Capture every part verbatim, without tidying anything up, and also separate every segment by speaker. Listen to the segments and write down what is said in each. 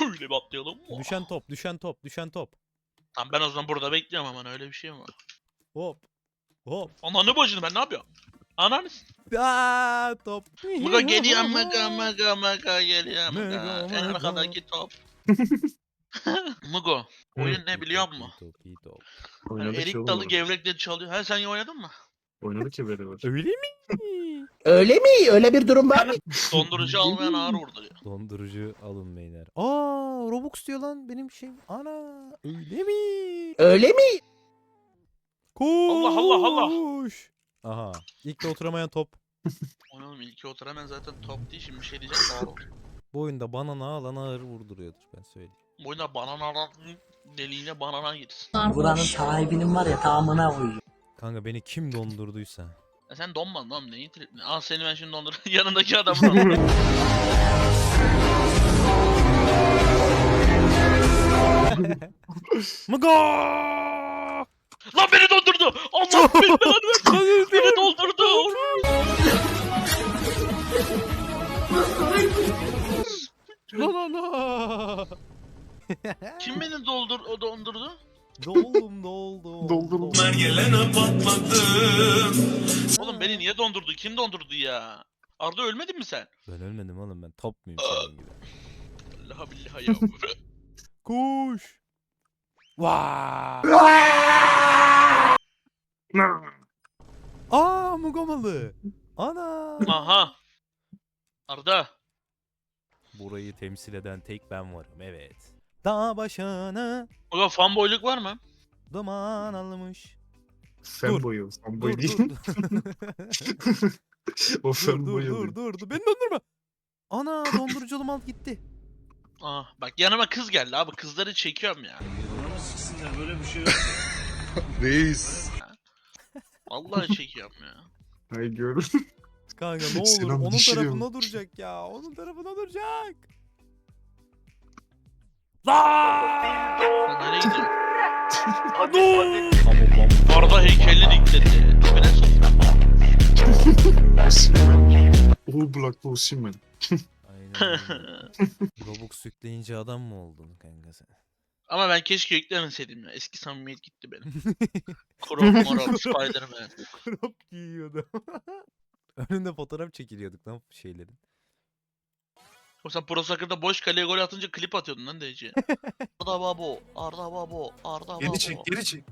Speaker 1: Böyle bir atlayalım.
Speaker 2: Düşen top, düşen top, düşen top.
Speaker 1: Tamam ben o zaman burada bekliyorum aman öyle bir şey mi var?
Speaker 2: Hop. Hop.
Speaker 1: Ananı bacını ben ne yapıyorum? Ananı s-
Speaker 2: Aa, top.
Speaker 1: Mıga geliyor mıga mıga mıga geliyor mıga.
Speaker 2: Mıga,
Speaker 1: En
Speaker 2: mıga.
Speaker 1: arkadaki top. Mugo oyun ne biliyor musun?
Speaker 2: İyi top, iyi top.
Speaker 1: Hani
Speaker 3: Oynadık ya
Speaker 1: erik
Speaker 3: oğlum
Speaker 1: dalı
Speaker 3: orada.
Speaker 1: gevrekleri çalıyor. Ha sen iyi oynadın mı?
Speaker 3: Oynadık ya beraber.
Speaker 2: Öyle mi?
Speaker 4: Öyle mi? Öyle bir durum var mı?
Speaker 1: Dondurucu almayan ağır vurduruyor.
Speaker 2: Dondurucu alın beyler. Aa, Robux diyor lan benim şey. Ana, öyle mi?
Speaker 4: Öyle mi?
Speaker 2: Koş.
Speaker 1: Allah, Allah, Allah.
Speaker 2: Aha, ilk de oturamayan top.
Speaker 1: Oğlum ilki otur hemen zaten top değil şimdi bir şey diyeceğim de ağır olur.
Speaker 2: Bu oyunda banana alan ağır vurduruyordur ben söyleyeyim.
Speaker 1: Bu oyunda banana deliğine banana girsin.
Speaker 5: Buranın sahibinin var ya tamamına koyuyor.
Speaker 2: Kanka beni kim dondurduysa.
Speaker 1: Ya sen donmadın oğlum neyin tripini? Al seni ben şimdi dondur. Yanındaki adamı dondur.
Speaker 2: Mıga!
Speaker 1: Lan beni dondurdu! Allah beni belanı versin! Beni doldurdu!
Speaker 2: La la la!
Speaker 1: Kim beni doldur o dondurdu?
Speaker 2: Doldum doldum.
Speaker 3: Doldurdum.
Speaker 2: doldum.
Speaker 1: Oğlum beni niye dondurdu? Kim dondurdu ya? Arda ölmedin mi sen?
Speaker 2: Ben ölmedim oğlum ben top muyum senin gibi.
Speaker 1: Allah billahi ya.
Speaker 2: Kuş. Vaa! Aa, Mugamalı. Ana.
Speaker 1: Aha. Arda.
Speaker 2: Burayı temsil eden tek ben varım, evet. Dağ başına
Speaker 1: Ulan fanboyluk var mı?
Speaker 2: duman almış.
Speaker 3: Fanboy o. Fanboy
Speaker 2: Dur
Speaker 3: değil.
Speaker 2: dur dur.
Speaker 3: O
Speaker 2: dur
Speaker 3: fanboy
Speaker 2: dur
Speaker 3: oluyor.
Speaker 2: dur dur. Beni dondurma. Ana, dondurucu mal gitti.
Speaker 1: Aa, bak yanıma kız geldi abi kızları çekiyorum ya.
Speaker 3: Reis.
Speaker 1: Vallahi çekiyorum ya.
Speaker 3: Ay gör.
Speaker 2: Kanka ne olur
Speaker 3: Sinan
Speaker 2: onun
Speaker 3: dişiliyor.
Speaker 2: tarafına duracak ya. Onun tarafına duracak. Lan!
Speaker 1: Sen nereye gidiyorsun? Arda heykelini dikledi. Tepene sok.
Speaker 3: All Black Osimhen.
Speaker 2: Aynen öyle. Robux yükleyince adam mı oldun kanka sen?
Speaker 1: Ama ben keşke yüklemeseydim ya. Eski samimiyet gitti benim. Crop morop Spiderman.
Speaker 2: Crop giyiyordu. Önünde fotoğraf çekiliyorduk lan şeylerin.
Speaker 1: O sen Pro Soccer'da boş kaleye gol atınca klip atıyordun lan D C. Arda Babo, Arda Babo, Arda Babo.
Speaker 3: Geri çek, geri çek.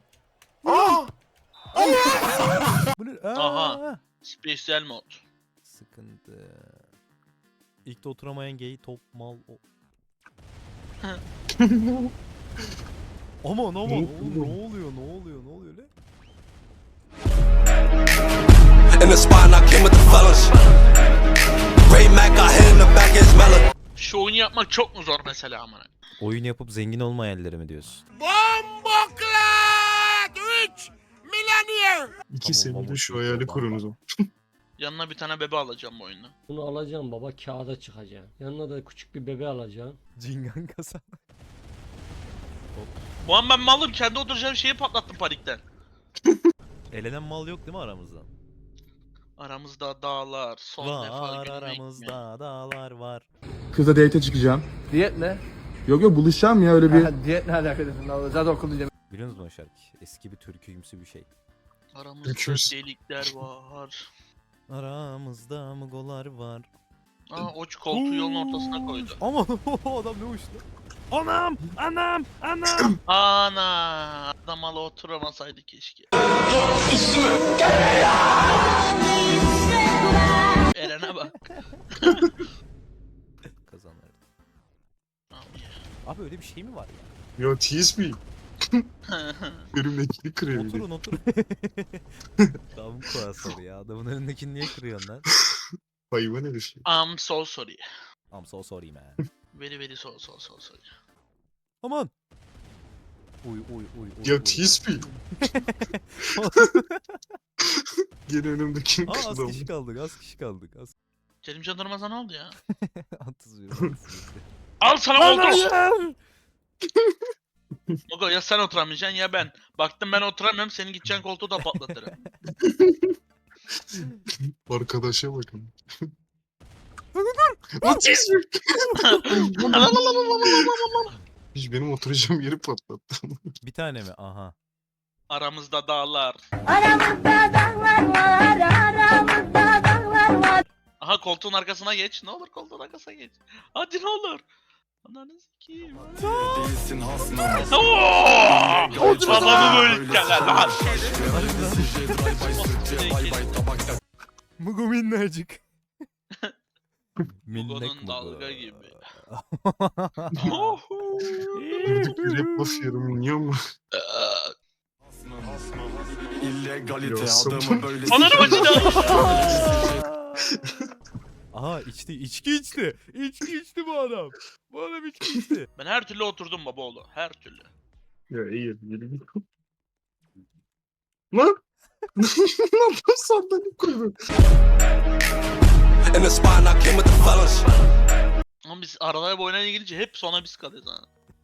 Speaker 2: Bu ne? Aa!
Speaker 1: Aha. Special mod.
Speaker 2: Sıkıntı. İlk de oturamayan gay top mal o. Aman aman oğlum ne oluyor ne oluyor ne oluyor lan?
Speaker 6: In the spot and I came with the fellas. Ray Mac got hit in the back his melon.
Speaker 1: Şu oyunu yapmak çok mu zor mesela amına?
Speaker 2: Oyun yapıp zengin olma hayalleri mi diyorsun?
Speaker 3: İki
Speaker 2: Tamam,
Speaker 3: senede
Speaker 2: mamut
Speaker 3: şu
Speaker 2: yok,
Speaker 3: hayali
Speaker 2: baba.
Speaker 3: kurun o zaman.
Speaker 1: Yanına bir tane bebe alacağım bu oyunda.
Speaker 7: Bunu alacağım baba kağıda çıkacaksın. Yanına da küçük bir bebe alacaksın.
Speaker 2: Cingan kasa.
Speaker 1: Bu an ben malım kendi oturacağım şeyi patlattım panikten.
Speaker 2: Elenen mal yok değil mi aramızda?
Speaker 1: Aramızda dağlar, son defa
Speaker 2: Var
Speaker 1: gülmek mi?
Speaker 2: aramızda dağlar var.
Speaker 8: Kızla date çıkacağım.
Speaker 9: Diyet ne?
Speaker 8: Yok yok buluşacağım ya öyle bir.
Speaker 9: Ha, diyet ne alakası? Zaten okul
Speaker 2: Biliyor musun o şarkı? Eski bir türküymsü bir şey.
Speaker 1: Aramızda
Speaker 3: Öküz.
Speaker 1: delikler var.
Speaker 2: Aramızda mıgolar var.
Speaker 1: Aa oç koltuğu yolun ortasına koydu.
Speaker 2: Aman adam ne uçtu? Anam! Anam! Anam!
Speaker 1: Ana adam ala oturamasaydı keşke. Eren'e bak.
Speaker 2: Kazanırdı.
Speaker 1: Abi
Speaker 2: Abi öyle bir şey mi var ya?
Speaker 3: Yo T S B. Önümdekini kırıyor bir de.
Speaker 2: Oturun oturun. Tam kuasarı ya. Adamın önündekini niye kırıyorsun lan?
Speaker 3: Hayvan herif.
Speaker 1: I'm so sorry.
Speaker 2: I'm so sorry man.
Speaker 1: Very very so so so sorry.
Speaker 2: Aman! Uy uy uy uy.
Speaker 3: Ya
Speaker 2: uy.
Speaker 3: T S B. Gene önümdekini
Speaker 2: Aa, az
Speaker 3: kırdı.
Speaker 2: kişi kaldık, az kişi kaldık. Az...
Speaker 1: Kerimcan Durmaz'a ne oldu ya?
Speaker 2: Atızıyorum.
Speaker 1: Al sana koltuk. Ogo ya sen oturamayacaksın ya ben. Baktım ben oturamıyorum senin gideceğin koltuğu da patlatırım.
Speaker 3: Arkadaşa bakın. Otizm. Hiç benim oturacağım yeri patlattı.
Speaker 2: Bir tane mi? Aha.
Speaker 1: Aramızda dağlar.
Speaker 10: Aramızda dağlar var, aramızda dağlar var.
Speaker 1: Aha koltuğun arkasına geç. Ne olur koltuğun arkasına geç. Hadi ne olur. Ananı sikeyim.
Speaker 6: Değilsin hasmım.
Speaker 1: Babamı böyle gel lan.
Speaker 2: Mugo minnacık.
Speaker 1: Mugo'nun dalga gibi.
Speaker 3: Durduk yere basıyorum. Niye ama?
Speaker 6: İllegalite
Speaker 3: Yo, sabun.
Speaker 6: adamı böyle
Speaker 1: Ananı bacına.
Speaker 2: Aha içti. içki içti. İçki içti bu adam. Bu adam içki içti.
Speaker 1: Ben her türlü oturdum baba oğlu. Her türlü.
Speaker 3: Ya iyi. Yürü. Lan! Ne yapıyorsun sandalye koydun?
Speaker 6: In the spot and I came with the fellas.
Speaker 1: Ama biz aralara boyuna gidince hep sona biz kalıyoruz ha.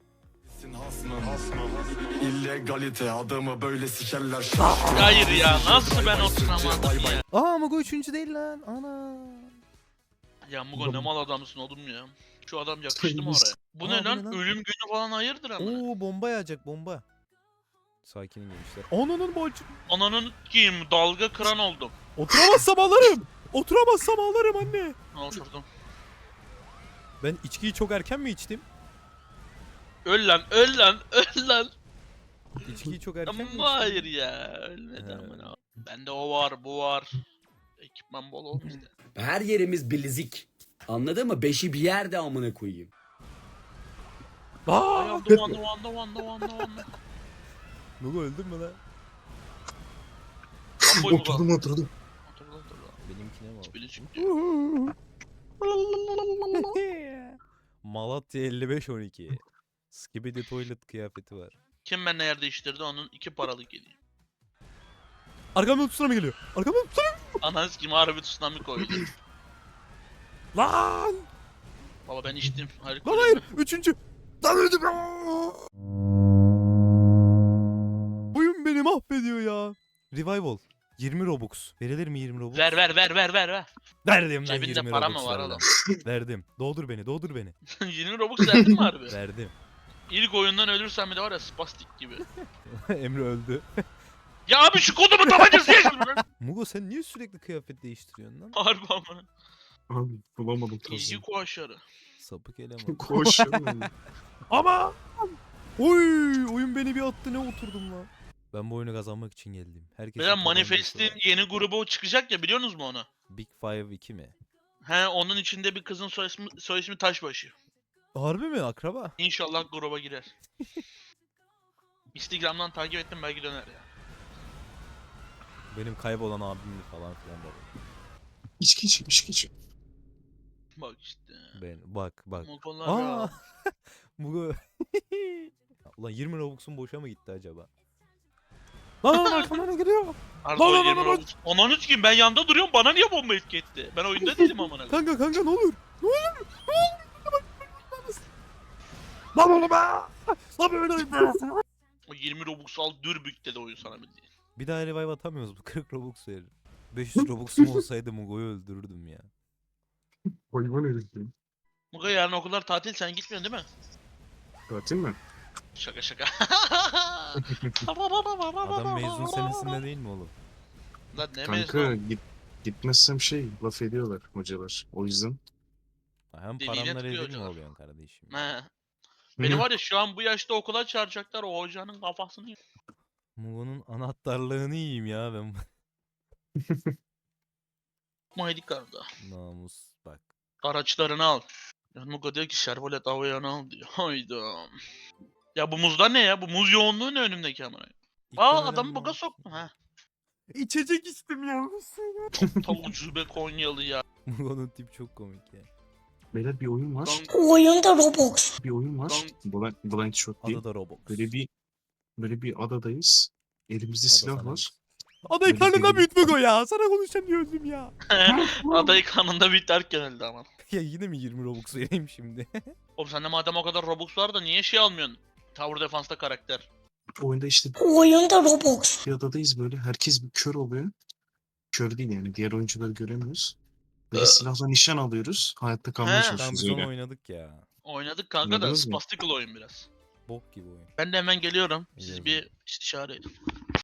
Speaker 6: İllegalite adamı böyle sikerler.
Speaker 1: Hayır ya nasıl ben oturamadım ya.
Speaker 2: Aa Mugo üçüncü değil lan. Ana.
Speaker 1: Ya Mugo ne mal adamsın oğlum ya. Şu adam yakıştı mı
Speaker 3: Sayımız.
Speaker 1: oraya? Bu
Speaker 2: Aa,
Speaker 1: ne
Speaker 2: bu
Speaker 1: lan?
Speaker 2: ne lan?
Speaker 1: Ölüm günü falan hayırdır ama.
Speaker 2: Oo bomba yağacak bomba. Sakinin gençler. Ananın bacı.
Speaker 1: Ananın kim dalga kıran oldum.
Speaker 2: Oturamazsam ağlarım. Oturamazsam ağlarım anne.
Speaker 1: Ha, oturdum.
Speaker 2: Ben içkiyi çok erken mi içtim?
Speaker 1: Öl lan öl lan öl lan.
Speaker 2: İçkiyi çok erken mi içtim?
Speaker 1: Ama hayır ya. Ölmedi
Speaker 2: He.
Speaker 1: amına. Bende o var bu var. Ekipman bol olmuş işte.
Speaker 11: Her yerimiz bilezik. Anladın mı? Beşi bir yerde amına koyayım.
Speaker 2: Aa!
Speaker 1: Ayağım dolandı dolandı dolandı dolandı dolandı.
Speaker 2: Mugo öldün mü lan?
Speaker 1: Lan boy mu kaldı?
Speaker 3: Oturdum oturdum.
Speaker 1: Otur lan, otur lan.
Speaker 2: Benimkine mi oldu?
Speaker 1: Biri çıktı.
Speaker 2: Malatya elli beş on iki. Skibidi toilet kıyafeti var.
Speaker 1: Kim benimle yer değiştirdi onun iki paralık geliyor.
Speaker 2: Arkamdan tsunami geliyor. Arkamdan tsunami.
Speaker 1: Ananı kim harbi tsunami koydu.
Speaker 2: Lan!
Speaker 1: Baba ben içtim. Hayır,
Speaker 2: Lan hayır. Üçüncü. Lan öldüm. Oyun beni mahvediyor ya. Revival. yirmi Robux. Verilir mi yirmi Robux?
Speaker 1: Ver ver ver ver ver ver.
Speaker 2: Verdim lan
Speaker 1: Cebinde
Speaker 2: yirmi
Speaker 1: para
Speaker 2: Robux
Speaker 1: mı var
Speaker 2: ver lan.
Speaker 1: oğlum?
Speaker 2: Verdim. Doldur beni, doldur beni.
Speaker 1: yirmi Robux verdin mi harbi?
Speaker 2: Verdim.
Speaker 1: İlk oyundan ölürsen bir de var ya spastik gibi.
Speaker 2: Emre öldü.
Speaker 1: Ya abi şu kodumu tabancası yaşadım lan.
Speaker 2: Mugo sen niye sürekli kıyafet değiştiriyorsun lan?
Speaker 1: Harbi amına.
Speaker 3: Abi bulamadım
Speaker 1: İzci
Speaker 3: tazını.
Speaker 1: kuaşarı.
Speaker 2: Sapık eleman.
Speaker 3: Koş.
Speaker 2: Ama! Oy! Oyun beni bir attı ne oturdum lan. Ben bu oyunu kazanmak için geldim. Herkes
Speaker 1: Mesela Manifest'in yeni grubu çıkacak ya biliyorsunuz mu onu?
Speaker 2: Big Five iki mi?
Speaker 1: He onun içinde bir kızın soy ismi, soy ismi Taşbaşı.
Speaker 2: Harbi mi? Akraba?
Speaker 1: İnşallah gruba girer. Instagram'dan takip ettim belki döner ya.
Speaker 2: Benim kaybolan abim falan filan da.
Speaker 3: İçki içeyim içki içeyim.
Speaker 1: Bak işte.
Speaker 2: Ben bak bak.
Speaker 1: Mokolar
Speaker 2: Aa!
Speaker 1: ya.
Speaker 2: Mugo. Ulan yirmi Robux'un boşa mı gitti acaba? Lan lan arkamdan ne geliyor?
Speaker 1: Arda
Speaker 2: Lan,
Speaker 1: o
Speaker 2: lan,
Speaker 1: yirmi
Speaker 2: lan, lan.
Speaker 1: Robux. Ananı sikeyim ben yanda duruyorum bana niye bomba etki etti? Ben oyunda değilim amına.
Speaker 2: Kanka kanka ne olur? Ne olur? Ne olur? Lan oğlum be! Lan böyle be!
Speaker 1: O yirmi Robux al dürbük dedi oyun sana bildiğin.
Speaker 2: Bir daha revive atamıyoruz bu kırk Robux verir. beş yüz Robux'um olsaydı Mugo'yu öldürürdüm ya.
Speaker 3: Hayvan herif ya.
Speaker 1: Muga yarın okullar tatil sen gitmiyorsun değil mi?
Speaker 3: Tatil mi?
Speaker 1: Şaka şaka.
Speaker 2: Adam mezun senesinde değil mi oğlum?
Speaker 1: Lan ne
Speaker 3: Kanka
Speaker 1: mezun?
Speaker 3: git, gitmezsem şey laf ediyorlar hocalar. O yüzden.
Speaker 2: Hem
Speaker 1: Dediğine
Speaker 2: paranla
Speaker 1: tıkıyor
Speaker 2: rezil mi
Speaker 1: hocalar.
Speaker 2: oluyorsun kardeşim?
Speaker 1: He. Beni var ya şu an bu yaşta okula çağıracaklar o hocanın kafasını yiyeyim.
Speaker 2: Mugo'nun anahtarlığını yiyeyim ya ben.
Speaker 1: Maydik arada.
Speaker 2: Namus bak.
Speaker 1: Araçlarını al. Yani Muga diyor ki Şervolet Avayan'ı al diyor. Hayda. Ya bu muzlar ne ya? Bu muz yoğunluğu ne önümdeki amına? Aa
Speaker 2: İptal
Speaker 1: adamı
Speaker 2: eden
Speaker 1: buga
Speaker 2: namus.
Speaker 1: soktu ha.
Speaker 2: İçecek içtim ya.
Speaker 1: Tam ucube Konyalı ya.
Speaker 2: Mugo'nun tip çok komik ya.
Speaker 3: Beyler bir oyun var.
Speaker 1: Lan
Speaker 10: Oyunda Robux.
Speaker 3: Bir oyun var. Blind, Blind Shot diye.
Speaker 2: Adada Robux.
Speaker 3: Böyle bir böyle bir adadayız. Elimizde
Speaker 2: Ada
Speaker 3: silah
Speaker 2: sana
Speaker 3: var.
Speaker 2: Adayı
Speaker 3: Böyle
Speaker 2: karnında
Speaker 3: deli-
Speaker 2: büyüt Mugo ya. Sana konuşamıyordum ya.
Speaker 1: adayı kanında biterken öldü ama.
Speaker 2: Ya yine mi yirmi Robux vereyim şimdi?
Speaker 1: Oğlum sende madem o kadar Robux var da niye şey almıyorsun? Tower Defense'da karakter.
Speaker 3: Oyunda işte
Speaker 10: Oyunda Robux.
Speaker 3: bir adadayız böyle. Herkes bir kör oluyor. Kör değil yani. Diğer oyuncuları göremiyoruz. Böyle silahla nişan alıyoruz. Hayatta kalmaya
Speaker 1: He.
Speaker 2: Tamam
Speaker 3: çalışıyoruz
Speaker 2: biz onu
Speaker 3: öyle.
Speaker 2: oynadık ya.
Speaker 1: Oynadık kanka da
Speaker 3: Oynadınız mı?
Speaker 1: spastical oyun biraz.
Speaker 2: Bok gibi oyun.
Speaker 1: Ben de hemen geliyorum. Siz
Speaker 2: İyi o
Speaker 1: bir istişare edin.